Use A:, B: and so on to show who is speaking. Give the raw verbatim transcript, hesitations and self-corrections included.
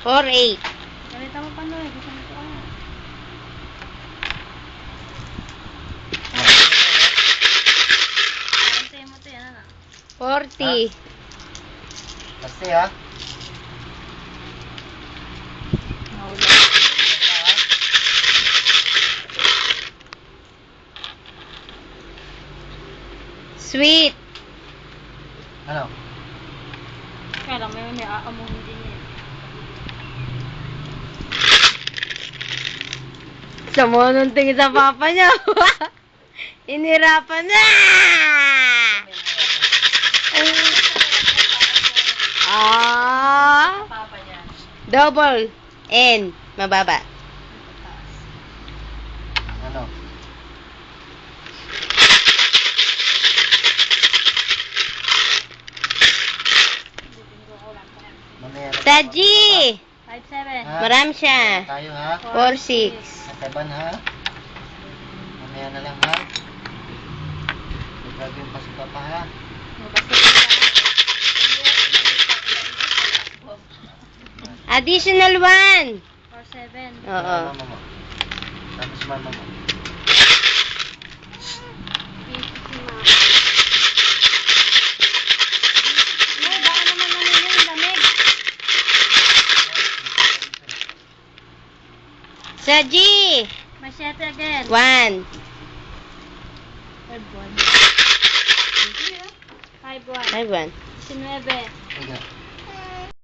A: four eight.
B: Galita mo pa no eh. Gusto mo ito ah. Karantayin mo ito yan ano?
A: forty.
C: Kasi ha.
A: Sweet.
C: Ano?
B: Kaya lang may may aamuhin din eh.
A: Sa mo nung tingin sa papa niya. Inirapan na! Ah!
B: Papa niya.
A: Double N. Mababa.
C: Ano? Mamaya na.
A: Taji!
B: five seven.
C: Ha?
A: Marami siya.
C: Tayo ha.
A: four six.
C: Nataban ha. Mamaya na lang ha. Huwag yung pasok pa ha.
A: Additional one.
B: four seven.
A: Oo.
C: Mama mo. Tapos mama mo.
B: Ay, baka naman namin yung lamig.
A: Saji!
B: Machete again.
A: One.
B: Five one. Five one.
A: Five one.
B: Sinuebe.
C: Sige.